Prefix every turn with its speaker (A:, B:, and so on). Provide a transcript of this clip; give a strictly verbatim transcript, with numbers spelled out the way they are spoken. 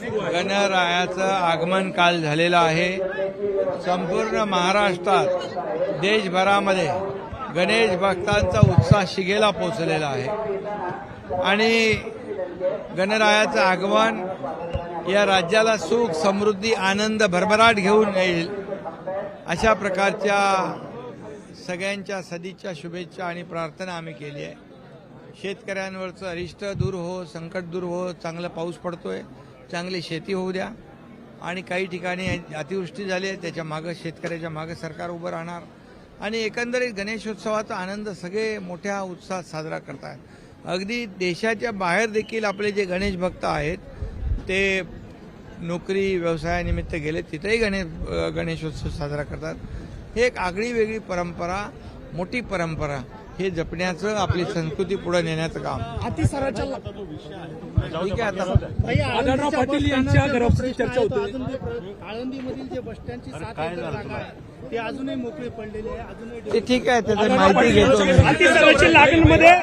A: गणरायाचं आगमन काल झालेलं आहे। संपूर्ण महाराष्ट्रात देशभरामध्ये गणेश भक्तांचा उत्साह शिगेला पोहोचलेला आहे आणि गणरायाचं आगमन या राज्याला सुख, समृद्धी, आनंद, भरभराट घेऊन येईल अशा प्रकारच्या सगळ्यांच्या सदिच्छा, शुभेच्छा आणि प्रार्थना आम्ही केली आहे। शेतकऱ्यांवरचं अरिष्ट दूर हो, संकट दूर हो, चांगला पाऊस पडतोय, चांगली शेती होऊ द्या आणि काही ठिकाणी अतिवृष्टी झाली आहे त्याच्या मागे शेतकऱ्याच्या मागे सरकार उभं राहणार आणि एकंदरीत गणेशोत्सवाचा आनंद सगळे मोठ्या उत्साहात साजरा करतात। अगदी देशाच्या बाहेर देखील आपले जे गणेश भक्त आहेत ते नोकरी व्यवसायानिमित्त गेले तिथेही गणेश गणेशोत्सव साजरा करतात। हे एक आगळी वेगळी परंपरा, मोठी परंपरा, हे जपण्याचं, आपली संस्कृती पुढे नेण्याचं काम।
B: अतिसाराच्या
A: ठीक आहे। आता
B: आढळराव पाटील यांच्या घरापासून चर्चा होती। आळंदीमधील जे बस स्टँडची सात एकर जागा आहे ते अजूनही मोकळे पडलेले आहे, अजूनही
A: ते ठीक आहे, त्याची माहिती घेतो मी।
B: अतिसाराची लागणमध्ये